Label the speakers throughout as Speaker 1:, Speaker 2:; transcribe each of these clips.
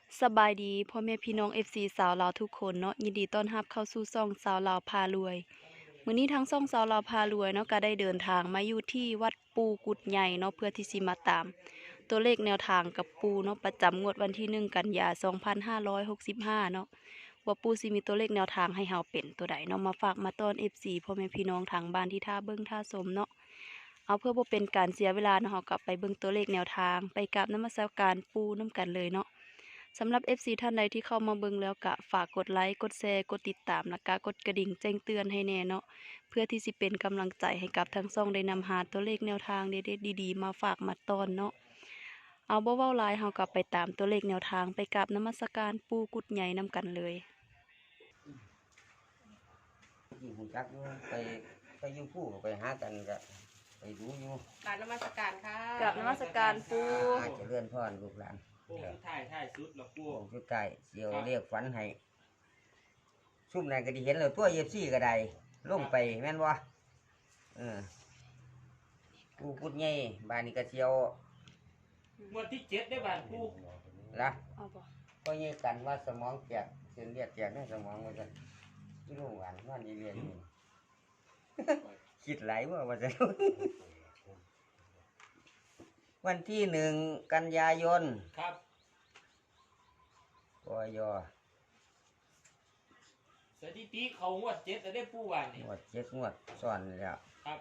Speaker 1: สบายดีพ่อแม่พี่น้อง FC สาวลาวทุกคนเนาะยินดีต้อนรับเข้าสู่ช่องสาวลาวพารวยมื้อนี้ทั้งช่องสาวลาวพารวยเนาะก็ได้เดินทางมาอยู่ที่วัดปูกุดใหญ่เนาะเพื่อที่สิมาตาม ตัวเลขแนวทางกับปูเนาะประจำงวดวันที่1กันยายน2565เนาะว่าปูสิมีตัวเลขแนวทางให้เฮาเป็นตัวใดเนาะมาฝากมาต้อน FC พ่อแม่พี่น้องทางบ้านที่ท่าเบิ่งท่าชมเนาะเอาเพื่อบ่เป็นการเสียเวลาเนาะเฮากลับไปเบิ่งตัวเลขแนวทางไปกราบนมัสการปูนํกันเลยเนาะ สำหรับ FC ท่านใดที่เข้ามาเบิ่งแล้วก็ฝากกดไลค์กดแชร์กดติดตามแล้วก็กดกระดิ่งแจ้งเตือนให้แน่เนาะเพื่อที่สิเป็นกำลังใจให้กับทั้งช่องได้นำหาตัวเลขแนวทางเด็ดๆดีๆมาฝากมาตอนเนาะเอาบ่เว้าหลายเฮากลับไปตามตัวเลขแนวทางไปกราบนมัสการปู่กุดใหญ่นำกันเลย
Speaker 2: ที่หูจักอยู่ไปอยู่ผู้ก็ไปหากันก็ไปดูอยู่
Speaker 3: กรารนมัสการค่ะ
Speaker 1: กราบนมัสการปู่
Speaker 2: อาจจะเลื่อนพ่อลูกหลาน
Speaker 4: พวกถ่ายสุดแล้วพว
Speaker 2: โอ้
Speaker 4: ก
Speaker 2: ชุดใต้เสียวเรียกฝันให้ซุ่มไหนก็ได้เห็นแล้วตัวFCก็ได้ลงไปแม่นบ่กูพูดไงบ้านนี้ก็เสียว
Speaker 4: งวดที่7ได้บ้านผู้
Speaker 2: ละ
Speaker 1: เอาบ่
Speaker 2: ก็ยังกันว่าสมองแตกเส้นเลือดแตกในสมองว่าซั่นที่โรงพยาบาลนอนเรียนอยู่ คิดหลายว่าจะ วันที่1 กันยายน
Speaker 4: ครับ
Speaker 2: กย
Speaker 4: สถิติเขางวด7ได้ผู้บ้านนี่
Speaker 2: งวด7 งวดซ้อนแล้ว
Speaker 4: ครับ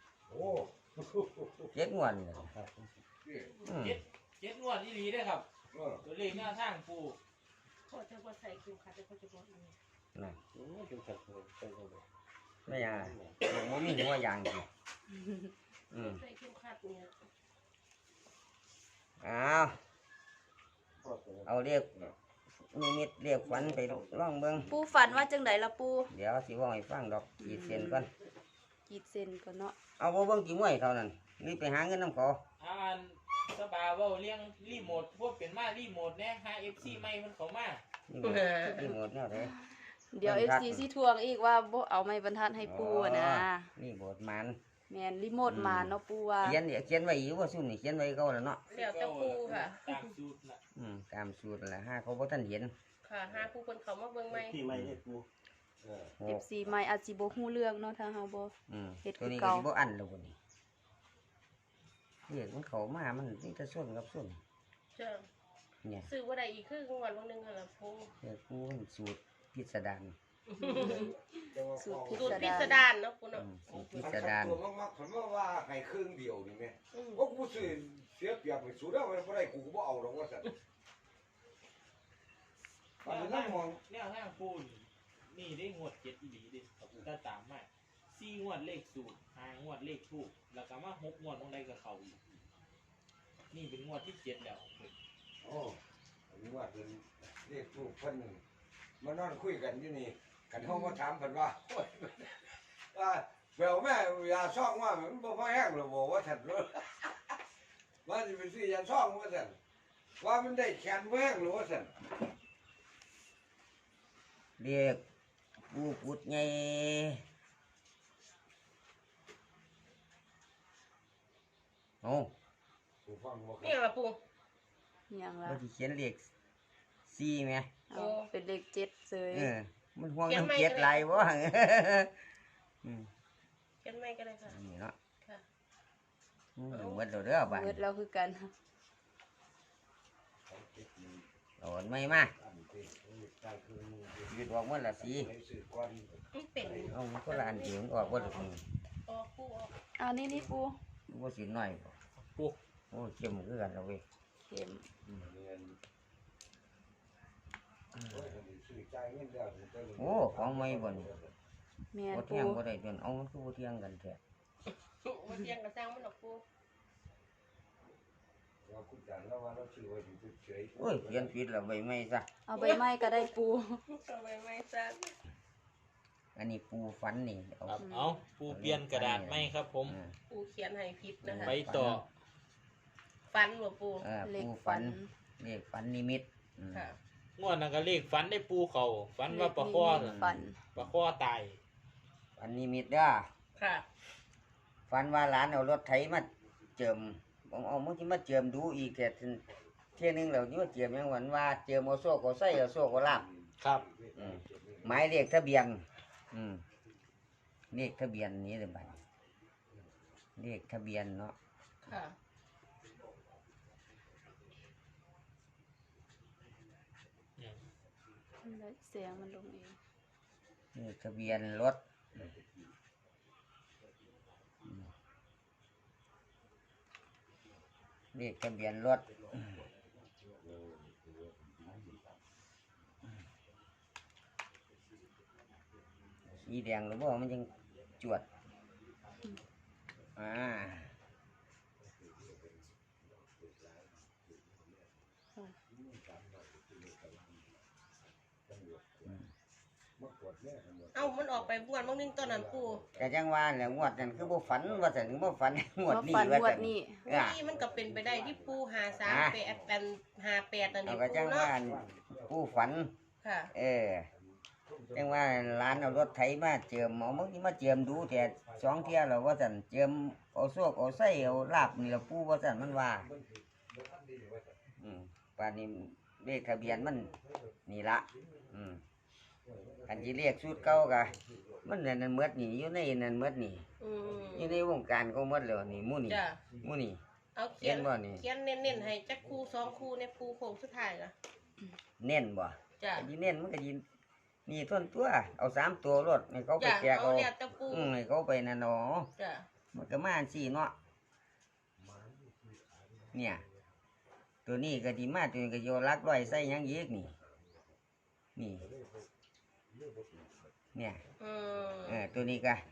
Speaker 2: 7 งวดนี่อืม
Speaker 4: 7งวดอีหลีเด้อครับตัวเลขหน้าทางผู้
Speaker 3: ขอจะบอใส่คิวค่ะจะขอจะบอกอันนี้
Speaker 2: นั่นไม่ยังมันมีหัวอย่างสิอืม
Speaker 3: ใส่คิวค่ะเนี่ย
Speaker 2: เอาเรียกนิมิตเรียกฝันไปล่องเบิ่ง
Speaker 1: ปู่ฝันว่าจังไดล่ะปู่
Speaker 2: เดี๋ยวสิเว่าให้ฟังดอกขีดเส้นก่อน
Speaker 1: กีดเส้นก่อนเนาะ
Speaker 2: เอาบ่เบิ่งกี่มวยเท่านั้นรีบไปหาเงินน้ำเขา
Speaker 4: อ่านสบายเว้าเลี้ยงรีโมทพวกเป็นมารีโมทแน่หา FC ใหม่เพิ่นเข้ามา
Speaker 2: นี่หมดแนวเด้
Speaker 1: เดี๋ยว FC สิทวงอีกว่าบ่เอาไม้บรรทัดให้ปู่อะนะ
Speaker 2: นี่บทมัน
Speaker 1: แม่นรีโมทมาเนาะปู่ว่า
Speaker 2: เขียนไว้อยู่ว่าซุ่มนี่เขียนไว้เก่าแล้วเนาะ
Speaker 3: เดี๋ยวจะครูค่ะ
Speaker 4: ตามสูตรน่ะ
Speaker 2: ตามสูตรนั่นแหละฮะเขาบ่ทันเห็น
Speaker 3: ค่ะหาครูคนเขามาเบิ่งไหม
Speaker 5: ที่ไม่ได้กู
Speaker 2: โอ้
Speaker 1: FC ใหม่อาจสิบ่ฮู้เรื่องเนาะถ้าเฮาบ่ เฮ็ดคื
Speaker 2: ตัว
Speaker 1: อ
Speaker 2: นี้ก็
Speaker 1: เก่า
Speaker 2: สิบ่อันแล้วบ่นี่เรียกมันเข้ามามันนี่จะส้นกับส้น
Speaker 3: เจ้า
Speaker 2: เนี่ย
Speaker 3: ซื้อว่าใดอีกครึ่งวันวันหนึงค่ะละครู
Speaker 2: เรียกกูมันสูตรพิสดาร
Speaker 1: สูตรพิ
Speaker 3: สูตร
Speaker 1: ส
Speaker 3: พิ
Speaker 1: ดา
Speaker 3: ส
Speaker 1: ร
Speaker 3: ดารเนาะคุณเนาะ
Speaker 2: สูตรพิ
Speaker 5: มัน
Speaker 2: สดาร
Speaker 5: ตัวมากๆผมว่าให้ครึ่งเดียวนี่แม่
Speaker 3: อืม
Speaker 5: โอ้กูซื้อเสียเปรียบไปสูดแล้วมันบ่ได้กูก็บ่เอาหรอกว่าซั่นอันนี้นั่งมอง
Speaker 4: แนวทางผู้นี่ได้งวด7อีหลีเด้ถ้าตามมา4งวดเลขสูตร5งวดเลขทูปแล้วก็มา6งวดตรงใดก็เข้าอีกนี่เป็นงวดที่7แล้ว
Speaker 5: โอ้อันนี้ว่าเป็นเรียกผู้เพิ่นมานอนคุยกันอยู่นี่กันเฮามาถามเพิ่นว่าโอ้ยว่าแววแม่ยาซ่องว่ามันบ่พอแห้งหรอกบ่ว่าซั่นว่าสิไปซื้อยาซ่องว่าซั่นว่ามันได้แขนบ่แห้งหรอว่าซั่น
Speaker 2: เรียกกูพุดไงโอ้
Speaker 5: กูฟังบ่
Speaker 3: นี่ละปู
Speaker 1: อิหยังล่ะ
Speaker 2: บ่ที่เขียนเลข4แม่
Speaker 1: เอาเป็นเลข7เซย
Speaker 2: มันห่วงน้ำเจ็ดไหลายบ่
Speaker 3: เขียนไม่ก็ได้ค่ะ
Speaker 2: อันนี้เนาะ
Speaker 3: ค่ะ
Speaker 2: หมดแล้วเด้อบ้าน
Speaker 1: เบิดแล้วคือกัน
Speaker 2: โอนไม่มาหยุดออกหมดละสี
Speaker 3: มันเป็น
Speaker 2: เอามันก็ละอันเดียวมันออกหมดละ
Speaker 3: ออกคู่ออก
Speaker 1: เอานี่ปู่
Speaker 2: บ่สิน้อยบ่
Speaker 4: ปุ๊บ
Speaker 2: โอ้เข้มคือกันเอาเว้ย
Speaker 1: เข็ม
Speaker 2: โอ้ของใหม่บ่นี่
Speaker 1: แม่น
Speaker 2: บ่เที่ย
Speaker 1: ปู่
Speaker 2: งบ่ได้จนเอามันคือบ่เที่ยงกันแท้
Speaker 3: วันเที่ยงกระซังมันออกปู
Speaker 2: โอ้ยเขียนผิดแล้วใบไม้ซะ
Speaker 1: เอาใบไม้ก็ได้ปู่
Speaker 3: ทำไมไม่ซัก
Speaker 2: อันนี้ปูฟันนี่เอา
Speaker 4: ครับเอาผู้เปลี่ยนกระดาษไหมครับผม
Speaker 3: ปูเขียนให้ผิดนะคะ
Speaker 4: ไปต่อ
Speaker 3: ฟันหัวปู
Speaker 1: เลข
Speaker 2: ปู
Speaker 1: ฝัน
Speaker 2: เลขฝันนิมิต
Speaker 3: ค่ะ
Speaker 4: งวดนั้นก็เลขฝันได้ปูเขาฝันว่าปลาคอ
Speaker 1: เลขฝัน
Speaker 4: ปลาคอตาย
Speaker 2: ฝันนิมิตเด้อ
Speaker 3: ค่ะ
Speaker 2: ฝันว่าหลานเอารถไถมาเจิมผมเอามันที่มาเจิมดูอีกแต่ทีที่ยหนึงเราอยู่เจียมยังหวันว่าเจียมเอาโซ่ก็ใส่เอาโซ่ก็ลาบ
Speaker 4: ครับ
Speaker 2: หมายเลขทะเบียนเลขทะเบียนนี้เลยบัดเลขทะเบียนเนาะ
Speaker 3: ค่ะ
Speaker 1: เสียงมันลงเอง
Speaker 2: เลขทะเบียนรถเลขทะเบียนรถสีแดงหรือว่ามันยังจวด
Speaker 3: เอ้ามันออกไปงวดบางนึงตอนนั้นปู
Speaker 2: แต่จังว่าแหละงวดนั้นคือบ่ฝันว่าแต่ถึงบ่ฝัน งวด
Speaker 1: มา
Speaker 2: นี้
Speaker 1: ฝัน
Speaker 2: ว่าง
Speaker 1: ว
Speaker 2: แต่
Speaker 1: ดนี้
Speaker 3: นี่มันก็เป็นไปได้ที่ปูหาสามแปดเป็น58นั่น
Speaker 2: เอา
Speaker 3: นี่
Speaker 2: ก็
Speaker 3: ปู
Speaker 2: จัง
Speaker 3: เนาะ
Speaker 2: ว่าผู้ฝัน
Speaker 3: ค่ะ
Speaker 2: จังว่าร้านเอารถไถมาเจิมเอามึงมาเจิมดูแต่สองเที่ยแล้วว่าซั่นเจิมเอาโซกเอาไส้เอาลาบนี่ละปู่ว่าซั่นมันว่าป่านนี้เลขทะเบียนมันนี่ละอันที่เรียกสูตรเก่ากะมันนั่นหมดนี่อยู่ในนั่นหมดนี่
Speaker 3: อืม
Speaker 2: อยู่ในวงการของหมดแล้วนี่หมู่นี่
Speaker 3: จ้ะ
Speaker 2: หมู่นี่
Speaker 3: เอาเขียน
Speaker 2: เขียนบ่นี่
Speaker 3: เขียนเน้นๆให้จักคู่2คู่ในปูโค้งสุดท้ายล่ะ
Speaker 2: เน้นบ่
Speaker 3: จ้ะ
Speaker 2: อันนี้เน้นมันก็ยินนี่ท่อนตัวเอา3ตัวรถให้เขาไป
Speaker 3: จ้ะ
Speaker 2: แจก
Speaker 3: เอา
Speaker 2: เอา
Speaker 3: แล้วแต่ปู
Speaker 2: ให้เขาไปนั่นเนาะ
Speaker 3: จ้ะ
Speaker 2: มันก็มาสี่เนาะเนี่ยตัวนี้ก็ดีมากตัวนี้ก็โยรักร้อยใส่หยังยีกนี่นี่เนี่ย
Speaker 3: อืม
Speaker 2: ตัวนี้ก็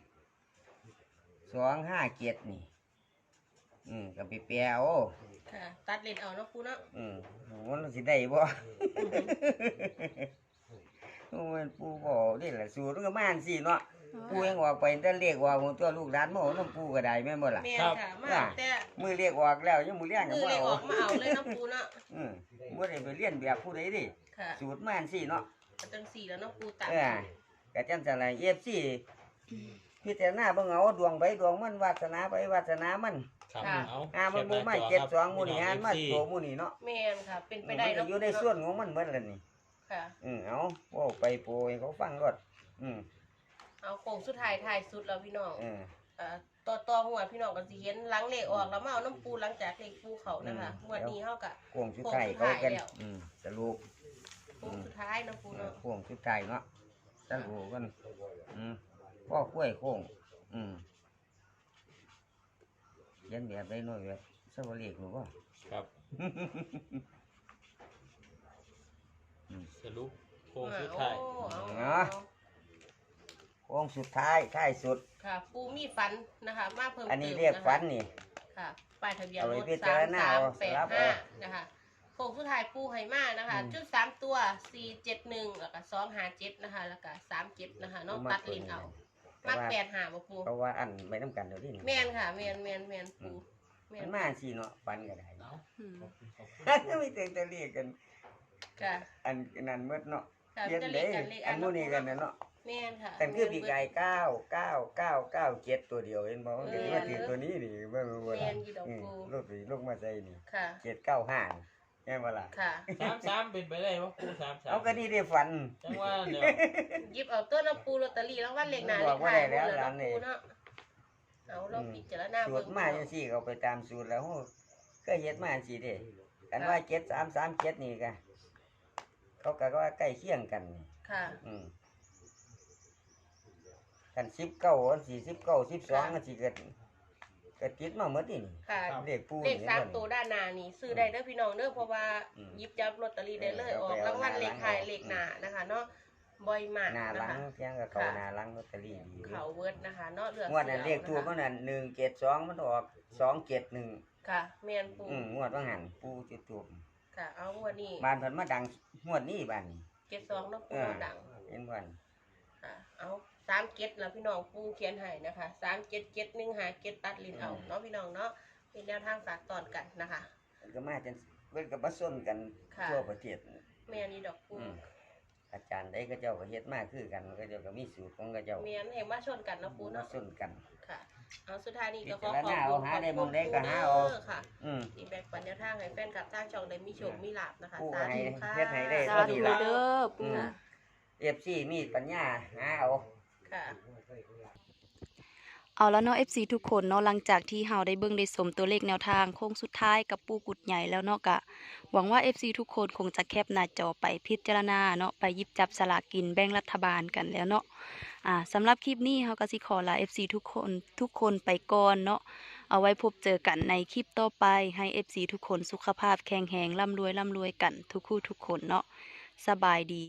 Speaker 2: 257นี่ก็ไปแปลเอา
Speaker 3: ค่ะ ตัดเลนเอาเนาะปูเนาะ
Speaker 2: มันสิได้บ่โอ้ยปู่บ่นี่แหละสูตรมันก็มาสี่เนาะปู่ยังออกไปแต่เลขว่าของตัวลูกหลานมาเอาน้ำปู่ก็ได้แม่นบ่ล่ะ
Speaker 3: แม่นค่ะมาแต่
Speaker 2: มือเรียกออกแล้วยังมือเลี้ยง
Speaker 3: มื
Speaker 2: ก็
Speaker 3: อ
Speaker 2: บ่
Speaker 3: เลย
Speaker 2: เอา
Speaker 3: ออกมาเอาเลยเนาะปูเนาะ
Speaker 2: บ่ได้ไปเรียนแบบผู้ใดดิ
Speaker 3: ค่ะ
Speaker 2: สูตรมาสี่เนาะ
Speaker 3: ก็จังสี่แล้วเนาะปูตัด
Speaker 2: ก็จังซั่นล่ะ FC พิจารณาเบิ่งเอาดวงไปดวงมันวาสนาไปวาสนามัน
Speaker 4: ครับเอา
Speaker 2: มันบ่มา72หมู่นี่มาโตหมู่นี่เนาะ
Speaker 3: แม่นค่ะ เป็นไป
Speaker 2: มัน
Speaker 3: ได้
Speaker 2: ก็
Speaker 3: เนาะ
Speaker 2: อยู่ในส่วนของมันหมดแล้วนี่
Speaker 3: ค่ะ
Speaker 2: เอาเว้าไปโปรยเขาฟังรถอืม
Speaker 3: เอาโค้งสุดท้ายท้ายสุดแล้วพี่น้อง
Speaker 2: เออ
Speaker 3: ต่อหัวพี่น้องก็สิเห็นหลังเลขออกแล้วมาเอาน้ำปูหลังจากเลขปูเขานะคะงวดนี้เฮาก็
Speaker 2: โค้งสุดท้ายเขากัน
Speaker 3: แล้ว
Speaker 2: สรุป
Speaker 3: โค้งสุดท้ายเนาะปูเนาะ
Speaker 2: โค้งสุดท้ายเนาะสรุปกันพ่อกล้วยโค้งเขียันแบบได้น้อยแบบสวัสดีหรือว่า
Speaker 4: ครับสรุปโค้งสุดท้าย
Speaker 3: โอ้เอา
Speaker 2: เนาะ โค้งสุดท้ายท้ายสุด
Speaker 3: ค่ะ ปูมีฝันนะคะ มาเพิ่ม
Speaker 2: อันนี้
Speaker 3: ติม
Speaker 2: เรียก
Speaker 3: ะคะ
Speaker 2: ฝันนี่
Speaker 3: ค่ะป้ายทะเบียน
Speaker 2: เอา
Speaker 3: ร
Speaker 2: ไว้
Speaker 3: ถ
Speaker 2: พิจารณาเอาสลับเอา
Speaker 3: 3385นะคะโค้งสุดท้ายปูให้มานะคะ จุด3ตัว471แล้วก็257นะคะแล้วก็37นะคะเนาะตัดลิ้นเอามัก85บ่ปู
Speaker 2: เพราะว่าอันไม่น้ำกันเดี๋ยวนี้
Speaker 3: แม่นค่ะแม่นปูแม่
Speaker 2: มัน นมาสิเนาะฝันก็ได้
Speaker 4: เอา
Speaker 1: อืม
Speaker 2: ไม่เต็งจะเรียกกัน
Speaker 3: ค่ะ
Speaker 2: อันนั้นเมื่อเนาะ
Speaker 3: ค่ะ
Speaker 2: เขียน
Speaker 3: จะ
Speaker 2: เด้
Speaker 3: เรียกกันเลข
Speaker 2: อันนู้นนี่กันนะเนาะ
Speaker 3: แม่นค่ะ
Speaker 2: แต่คือปีกไก่99997ตัวเดียวเห็นบ่มันก็มาถึงตัวนี้นี่เบิ่ง
Speaker 3: แม่นอยู่ดอกปู
Speaker 2: ลูกมาใส่นี่
Speaker 3: ค่ะ
Speaker 2: 795แม่นบ่ล่ะ
Speaker 3: ค่ะ
Speaker 4: 33เป็นไปได้ว่าปู33
Speaker 2: เอาก็นี่ได้ฝัน
Speaker 4: จังว่าเดี๋ยว
Speaker 3: หยิบเอาตัวน้ำปูลอตเตอรี่รางวัลเลขหน้า
Speaker 2: บ
Speaker 3: เล
Speaker 2: อก
Speaker 3: ข
Speaker 2: ว่า
Speaker 3: ท้าย
Speaker 2: ได้แล้ว
Speaker 3: หมด
Speaker 2: ร้านนี่
Speaker 3: ปูเนาะเอาเราพิจารณา
Speaker 2: สู
Speaker 3: เบิ่
Speaker 2: ต
Speaker 3: ง
Speaker 2: รมาจังซี่ก็ไปตามสูตรแล้วก็เฮ็ดมาจังซี่เด้กันว่า7337นี่ก็เขาก็ว่าใกล้เคียงกันนี่
Speaker 3: ค่ะ
Speaker 2: กัน19อัน49 12อันสิเกิดก็ติดมาหมดนี่
Speaker 3: ค่ะ
Speaker 2: เลขปู
Speaker 3: เลข
Speaker 2: นี่
Speaker 3: สาม
Speaker 2: บ่
Speaker 3: ตัวด้านหน้านี่ซื้อได้เด้อพี่น้องเด้อเพราะว่า
Speaker 2: อืม
Speaker 3: หยิบจับลอตเตอรี่ได้เลย
Speaker 2: เออ
Speaker 3: ออก
Speaker 2: เอาไป
Speaker 3: รางวัล
Speaker 2: เอา
Speaker 3: เลข
Speaker 2: หน้าหลัง
Speaker 3: ท้ายเลขหน้านะคะเนาะบ่อยมาก
Speaker 2: หน้าห
Speaker 3: นะ
Speaker 2: ลัง
Speaker 3: คะ
Speaker 2: เพียงก็เข้าหน้าหลังลอตเตอรี่ดี
Speaker 3: เขาเวิร์ดนะคะเนาะเลือก
Speaker 2: งวดนั้นเลขถูกมันนั่น172มันออก271
Speaker 3: ค่ะแม่นปู
Speaker 2: งวดว่าหันปูจุดถูก
Speaker 3: ค่ะ เอางวดนี้
Speaker 2: บ้านเพิ่นมาดังงวดนี้บ้านนี้
Speaker 3: 72เนาะปูดัง
Speaker 2: เห็นบ่น
Speaker 3: ค่ะเอา37แล้วพี่น้องปูเขียนให้นะคะ377157ตัดลิ้นเอาเนาะพี่น้องเนาะเป็นแนวทางฝากตอนกันนะคะ
Speaker 2: เพิ่นก็มาจังเพิ่นก็มาส้นกัน
Speaker 3: ค่ะ
Speaker 2: ทั่วประเทศ
Speaker 3: แม่นี่ดอกปู
Speaker 2: อาจารย์ใดก็เจ้าก็เฮ็ดมาคือกันก็เจ้าก็มีสูตรของก็เจ้า
Speaker 3: แม่นให้มาชนกันเนาะปู
Speaker 2: มา
Speaker 3: เนาะ
Speaker 2: ส้นกัน
Speaker 3: ค่ะเอาสุดท้ายนี้ก็ขอ
Speaker 2: พิจาร
Speaker 3: ขอบ
Speaker 2: ณา
Speaker 3: คุ
Speaker 2: เอา
Speaker 3: ณ
Speaker 2: หาได้มองได้ก็หาเอา
Speaker 3: เด้อค่ะ
Speaker 2: อืม
Speaker 3: ที่แบ่งปันแนวทางให้แฟนกับทางช่องได้มีโชคมีลาภนะคะ
Speaker 2: ผู้
Speaker 3: สา
Speaker 2: ให้
Speaker 3: ธุค่ะ
Speaker 2: เฮ็ดให้ได้
Speaker 1: สาธุเด้อปู
Speaker 2: FC มีปัญญาหาเอา
Speaker 3: ค่ะ
Speaker 1: เอาแล้วเนาะ FC ทุกคนเนาะหลังจากที่เฮาได้เบิ่งได้สมตัวเลขแนวทางโค้งสุดท้ายกับปูกุดใหญ่แล้วเนาะก็หวังว่า FC ทุกคนคงจะแคปหน้าจอไปพิจารณาเนาะไปหยิบจับสลากกินแบ่งรัฐบาลกันแล้วเนาะสำหรับคลิปนี้เฮาก็สิขอลา FC ทุกคนไปก่อนเนาะเอาไว้พบเจอกันในคลิปต่อไปให้ FC ทุกคนสุขภาพแข็งแรงร่ำรวยกันทุกคู่ทุกคนเนาะสบายดี